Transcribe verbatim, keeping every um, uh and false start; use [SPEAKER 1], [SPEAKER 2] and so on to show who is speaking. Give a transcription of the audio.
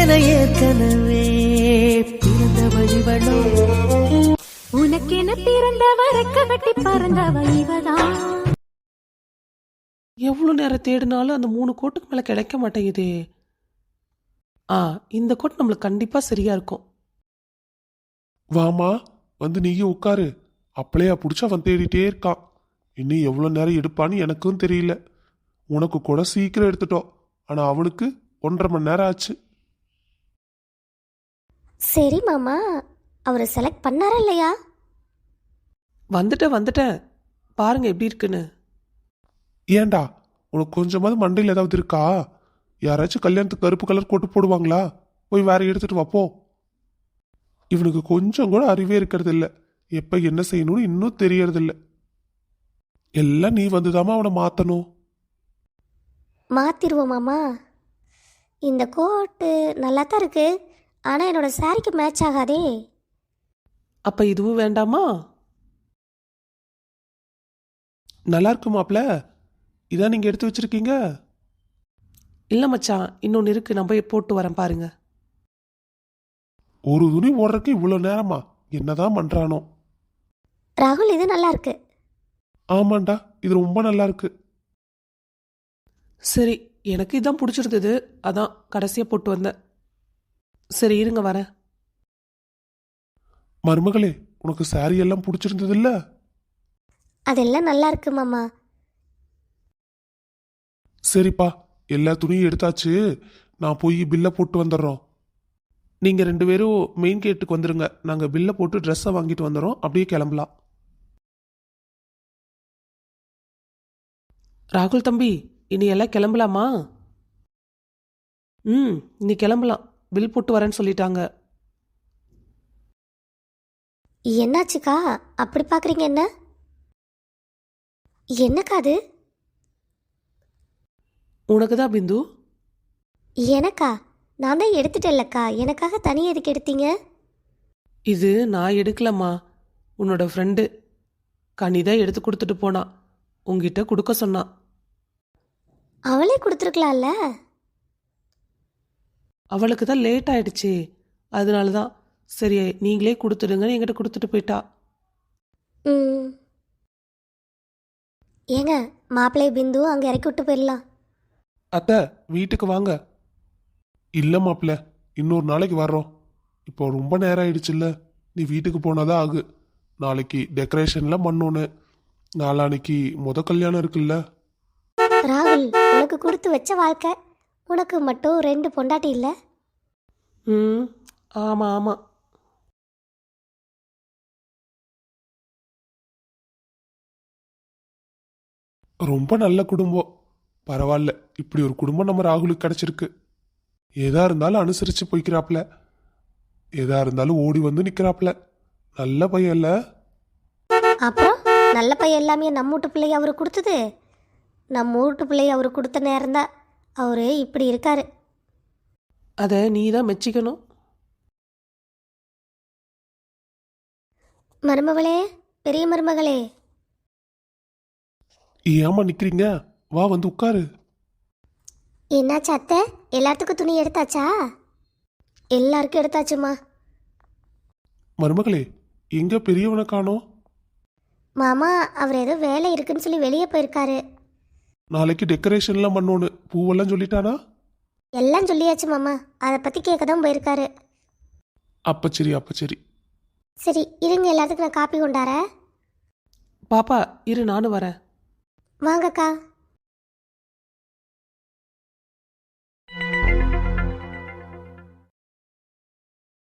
[SPEAKER 1] என ஏற்கனவே பிறந்த வழிவளோ உனக்கென பிறந்தவ ரெக்க கட்டி பறந்தவ இவதான்.
[SPEAKER 2] எவ்வளவு நேரம் தேடினாலும் அந்த மூணு கோட்டுக்கு மேல கிடைக்க மாட்டேங்குதே. ஆ இந்த கோட் நம்மளுக்கு கண்டிப்பா சரியா இருக்கும்.
[SPEAKER 3] வாமா, வந்து நீயும் உட்காரு. அப்பளையா பிடிச்ச அவன் தேடிட்டே இருக்கான். இன்னும் எவ்வளோ நேரம் எடுப்பான்னு எனக்கும் தெரியல. உனக்கு கூட சீக்கிரம் எடுத்துட்டோம், ஆனா அவனுக்கு ஒன்றரை மணி நேரம் ஆச்சு.
[SPEAKER 4] சரி மாமா, அவரை செலக்ட் பண்ணாரா இல்லையா?
[SPEAKER 2] வந்துட்டேன் வந்துட்டேன், பாருங்க எப்படி இருக்குன்னு.
[SPEAKER 3] ஏண்டா, உனக்கு கொஞ்சமாவது மண்டையில் ஏதாவது இருக்கா? யாராச்சும் கல்யாணத்துக்கு கருப்பு கலர் கோட்டு போடுவாங்களா? போய் வேற எடுத்துட்டு வாப்போ. இவனுக்கு கொஞ்சம் கூட அறிவே இருக்கிறது இல்லை. எப்ப என்ன செய்யணும்னு இன்னும் தெரியறது இல்லை. எல்லாம் நீ வந்துதாமா அவனை மாத்தணும்.
[SPEAKER 4] மாத்திருவோம் மாமா. இந்த கோட்டு நல்லா தான் இருக்கு, ஆனா என்னோட சாரிக்கு மேட்ச் ஆகாதே.
[SPEAKER 2] அப்ப இதுவும் வேண்டாமா?
[SPEAKER 3] நல்லா இருக்கு மாப்ள, இதான் நீங்க எடுத்து வச்சிருக்கீங்க.
[SPEAKER 2] இல்ல மச்சான், இன்னொன்னு இருக்கு, நான் போய் போட்டு வரேன் பாருங்க.
[SPEAKER 3] ஒரு துணி ஓடுறதுக்கு இவ்வளவு நேரமா? என்னதான் பண்றானோ.
[SPEAKER 4] ராகுல், இது நல்லா இருக்கு.
[SPEAKER 3] ஆமாண்டா, இது ரொம்ப நல்லா இருக்கு.
[SPEAKER 2] சரி, எனக்கு இதான் பிடிச்சிருந்தது, அதான் கடைசியா போட்டு வந்தேன். சரி இருங்க வரேன்.
[SPEAKER 3] மருமகளே, உனக்கு சாரி எல்லாம் பிடிச்சிருந்தது இல்ல?
[SPEAKER 4] அதெல்லாம் நல்லா இருக்கு மாமா.
[SPEAKER 3] சரிப்பா, எல்லா துணியும் எடுத்தாச்சு. நான் போய் பில்லை போட்டு வந்துடுறோம். நீங்க ரெண்டு பேரும் மெயின் கேட்டுக்கு வந்துருங்க. நாங்க பில்லை போட்டு ட்ரெஸ்ஸை வாங்கிட்டு வந்துடுறோம். அப்படியே கிளம்பலாம்.
[SPEAKER 2] ராகுல் தம்பி, இனி எல்லாம் கிளம்பலாமா? ம் இனி கிளம்பலாம், பில் போட்டு வரேன்னு சொல்லிட்டாங்க.
[SPEAKER 4] என்னாச்சுக்கா அப்படி பாக்குறீங்க? என்ன என்னக்கா அது?
[SPEAKER 2] உனக்கு தான் பிந்து.
[SPEAKER 4] எனக்கா? நான் தான் எடுத்துட்டேன்லக்கா, எனக்காக தனியாக எதுக்கு எடுத்தீங்க?
[SPEAKER 2] இது நான் எடுக்கலம்மா, உன்னோட ஃப்ரெண்டு கனிதான் எடுத்து கொடுத்துட்டு போனா. உங்ககிட்ட கொடுக்க சொன்னா.
[SPEAKER 4] அவளே கொடுத்துருக்கலாம்ல.
[SPEAKER 2] அவளுக்கு தான் லேட் ஆயிடுச்சு, அதனால தான் சரி நீங்களே கொடுத்துடுங்கன்னு என்கிட்ட கொடுத்துட்டு போயிட்டா.
[SPEAKER 4] ம் ஏங்க, மாப்பிள்ளை பிந்து அங்கே இறக்கி விட்டு போயிடலாம்.
[SPEAKER 3] அத்தை, வீட்டுக்கு வாங்க. இல்ல மாப்பிள்ள, இன்னொரு நாளைக்கு வர்றோம். இப்போ ரொம்ப நேரம் ஆயிடுச்சுல்ல, நீ வீட்டுக்கு போனாதான் ஆகு. நாளைக்கு டெக்கரேஷன்லாம் பண்ணோன்னு, நாளானைக்கு முத கல்யாணம் இருக்குல்ல.
[SPEAKER 4] ராகுல், உனக்கு கொடுத்து வச்ச வாழ்க்கை, உனக்கு மட்டும் ரெண்டு பொண்டாட்டி இல்லை?
[SPEAKER 2] ம் ஆமாம் ஆமாம்.
[SPEAKER 3] ரொம்ப நல்ல குடும்பம். பரவாயில்ல, இப்படி ஒரு குடும்பம் நம்ம ராகுலுக்கு கிடைச்சிருக்கு. எதா இருந்தாலும் அனுசரிச்சு போய்க்கிறாப்ல, எதா இருந்தாலும் ஓடி வந்து நிக்கிறாப்ல. நல்ல பையன் இல்ல?
[SPEAKER 4] அப்புறம் நல்ல பையன் எல்லாமே நம்ம வீட்டு பிள்ளைய அவரு கொடுத்தது. நம்ம வீட்டு பிள்ளைய அவரு கொடுத்த நேரம்தான் அவரு இப்படி இருக்காரு.
[SPEAKER 2] அதை நீ தான் மெச்சிக்கணும்.
[SPEAKER 4] மருமகளே, பெரிய மருமகளே.
[SPEAKER 3] ஏமா நிக்கிறீங்க? வா, வந்து உட்காரு.
[SPEAKER 4] என்னாச்சு அத்தை, எல்லாத்துக்கும் துணி எடுத்தாச்சா? எல்லாருக்கும் எடுத்தாச்சுமா.
[SPEAKER 3] மருமகளே, எங்க பெரியவனை காணோம்?
[SPEAKER 4] மாமா, அவர் ஏதோ வேலை இருக்குன்னு சொல்லி வெளியே போயிருக்காரு.
[SPEAKER 3] நாளைக்கு டெக்கரேஷன்லாம் பண்ணோன்னு பூவெல்லாம் சொல்லிட்டானா?
[SPEAKER 4] எல்லாம் சொல்லியாச்சு மாமா, அதை பற்றி கேட்க தான் போயிருக்காரு.
[SPEAKER 3] அப்ப சரி, அப்ப சரி.
[SPEAKER 4] சரி இருங்க, எல்லாத்துக்கும் நான் காப்பி கொண்டாரேன்.
[SPEAKER 2] பாப்பா இரு, நானும் வரேன்.
[SPEAKER 4] வாங்கக்கா.